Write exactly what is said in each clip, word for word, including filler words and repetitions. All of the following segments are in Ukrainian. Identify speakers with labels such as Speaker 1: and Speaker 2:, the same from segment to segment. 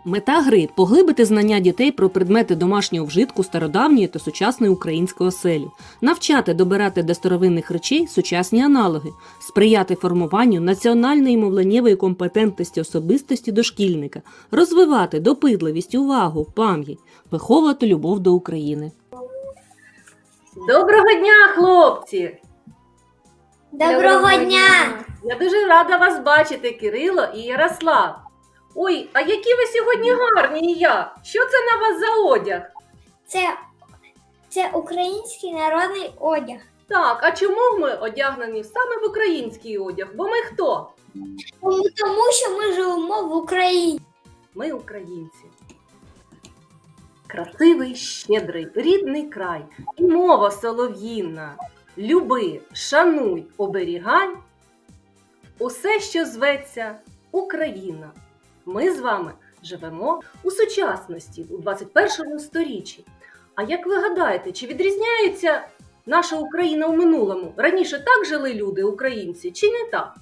Speaker 1: Мета гри – поглибити знання дітей про предмети домашнього вжитку стародавньої та сучасної української оселі, навчати добирати до старовинних речей сучасні аналоги, сприяти формуванню національної мовленнєвої компетентності особистості дошкільника, розвивати допитливість, увагу, пам'ять, виховувати любов до України.
Speaker 2: Доброго дня, хлопці!
Speaker 3: Доброго дня!
Speaker 2: Я дуже рада вас бачити, Кирило і Ярослав. Ой, а які ви сьогодні гарні і я! Що це на вас за одяг?
Speaker 3: Це, це український народний одяг.
Speaker 2: Так, а чому ми одягнені саме в український одяг? Бо ми хто?
Speaker 3: Тому, тому що ми живемо в Україні.
Speaker 2: Ми українці. Красивий, щедрий, рідний край і мова солов'їна. Люби, шануй, оберігай. Усе, що зветься Україна. Ми з вами живемо у сучасності, у двадцять першому сторіччі. А як ви гадаєте, чи відрізняється наша Україна у минулому? Раніше так жили люди, українці, чи не так?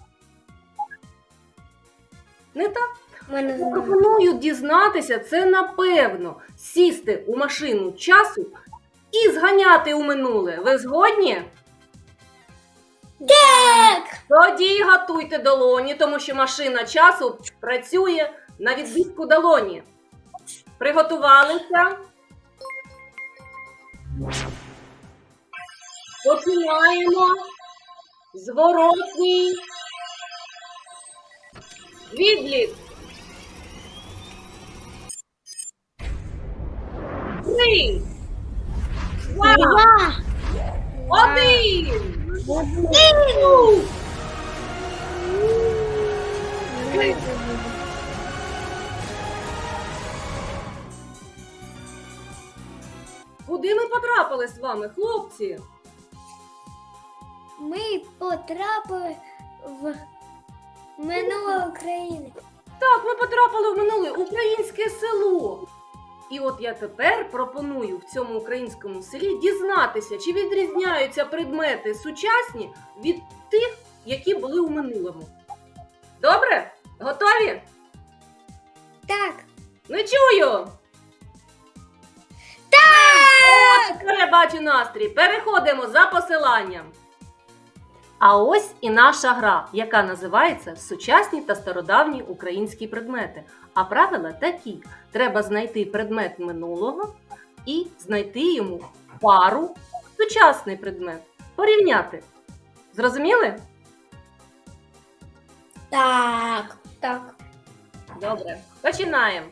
Speaker 2: Не так?
Speaker 3: Ми не знаємо.
Speaker 2: Пропоную дізнатися це напевно. Сісти у машину часу і зганяти у минуле. Ви згодні?
Speaker 3: Так!
Speaker 2: Тоді готуйте долоні, тому що машина часу працює на відбитку долоні. Приготувалися? Починаємо. Зворотній відлік. Три, два,
Speaker 3: Два!
Speaker 2: один.
Speaker 3: Один!
Speaker 2: Куди ми потрапили з вами, хлопці?
Speaker 3: Ми потрапили в минуле України.
Speaker 2: Так, ми потрапили в минуле українське село. І от я тепер пропоную в цьому українському селі дізнатися, чи відрізняються предмети сучасні від тих, які були у минулому. Добре? Готові?
Speaker 3: Так!
Speaker 2: Не чую!
Speaker 3: Так!
Speaker 2: Тепер я бачу настрій. Переходимо за посиланням. А ось і наша гра, яка називається «Сучасні та стародавні українські предмети». А правила такі. Треба знайти предмет минулого і знайти йому пару сучасний предмет. Порівняти. Зрозуміли?
Speaker 3: Так! Так!
Speaker 2: Добре. Починаємо.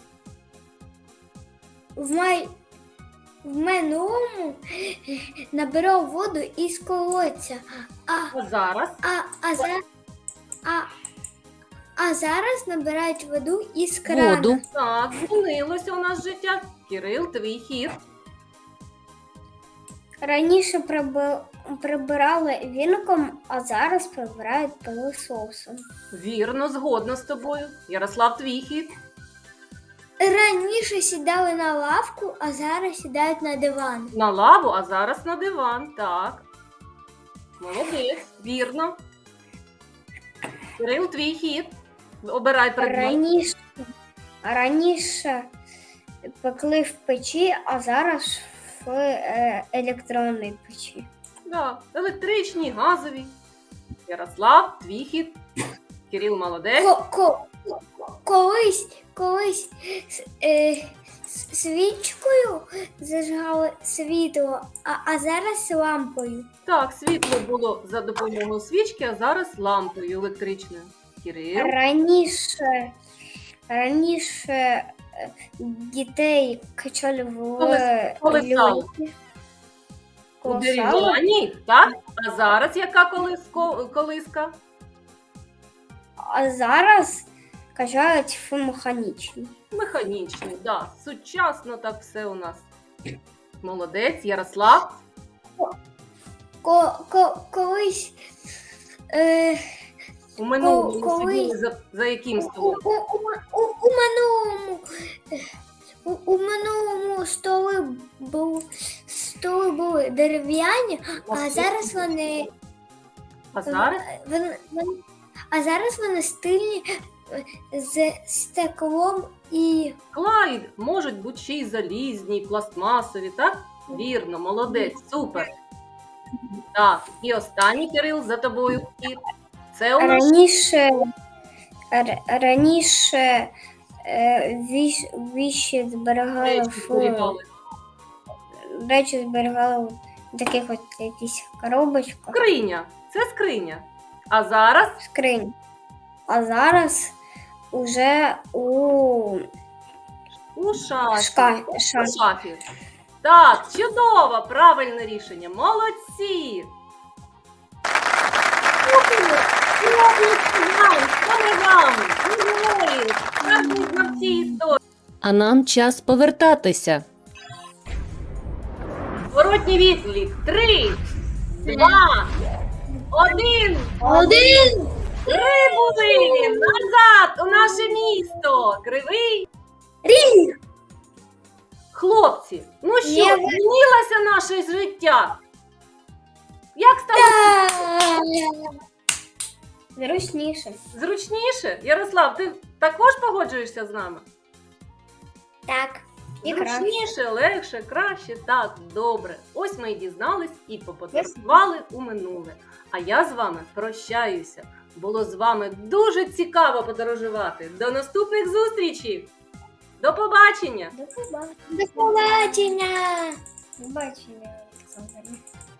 Speaker 3: В, май... в минулому набирав воду із колодця, а,
Speaker 2: А зараз
Speaker 3: а, а, за... а, а зараз набирають воду із крана.
Speaker 1: Воду.
Speaker 2: так, змінилося у нас життя. Кирил, твій хід.
Speaker 3: Раніше приби... прибирали віником, а зараз прибирають пилососом.
Speaker 2: Вірно, згодна з тобою. Ярослав, твій хід.
Speaker 3: Раніше сідали на лавку, а зараз сідають на диван.
Speaker 2: На лаву, а зараз на диван. Так. Молодець, вірно. Кирил, твій хід. Обирай предмет.
Speaker 3: Раніше, раніше пекли в печі, а зараз в е, електронній печі.
Speaker 2: Да. Електричні, газові. Ярослав, твій хід. Кирил, молодець.
Speaker 3: Ко- ко- колись, колись с- е, с- свічкою зажигали світло, а, а зараз лампою.
Speaker 2: Так, світло було за допомогою свічки, а зараз лампою електричною. Кирил.
Speaker 3: Раніше, раніше е, дітей качали в
Speaker 2: Колес- колесали.
Speaker 3: люльки.
Speaker 2: У
Speaker 3: Колесали.
Speaker 2: дерев'яній, так? А зараз яка колиско- колиска?
Speaker 3: А зараз качають в механічні.
Speaker 2: Механічний, да. Сучасно так все у нас. Молодець, Ярослав.
Speaker 3: Ко, ко, колись е,
Speaker 2: У минулому ви
Speaker 3: коли-
Speaker 2: сиділи за, за яким
Speaker 3: у,
Speaker 2: столом?
Speaker 3: у, у, у, у минулому е, у, у минулому столи були, столи були дерев'яні, а зараз вони,
Speaker 2: А зараз?
Speaker 3: вони, вони а зараз вони стильні з стеклом і
Speaker 2: Клай можуть бути ще й залізні, і пластмасові, так? Вірно, молодець, супер. Так, і останній, Кирил, за тобою вхід. Це у нас
Speaker 3: раніше, р- раніше е, віш, віші зберігали
Speaker 2: речі
Speaker 3: в
Speaker 2: зберігали.
Speaker 3: речі зберігали в таких от якісь коробочках,
Speaker 2: Скриня. Це скриня. А зараз
Speaker 3: скринь. А зараз уже у
Speaker 2: у шафі.
Speaker 3: шка,
Speaker 2: У
Speaker 3: ша,
Speaker 2: шафі. Так, чудово, правильне рішення. Молодці. Саме вам, ви герої, справжні знавці історії.
Speaker 1: А нам час повертатися.
Speaker 2: Зворотній відлік. Три, два, один.
Speaker 3: один.
Speaker 2: Прибули назад у наше місто. Кривий
Speaker 3: Ріг.
Speaker 2: Хлопці, ну що,
Speaker 3: Я-
Speaker 2: змінилося наше життя? Як стало
Speaker 3: Зручніше.
Speaker 2: зручніше? Ярослав, ти також погоджуєшся з нами?
Speaker 3: Так. І краще.
Speaker 2: Зручніше, легше, краще. Так, добре. Ось ми і дізнались і поподорожували у минуле. А я з вами прощаюся. Було з вами дуже цікаво подорожувати. До наступних зустрічей! До побачення!
Speaker 3: До побачення. До побачення. До побачення, Олександр.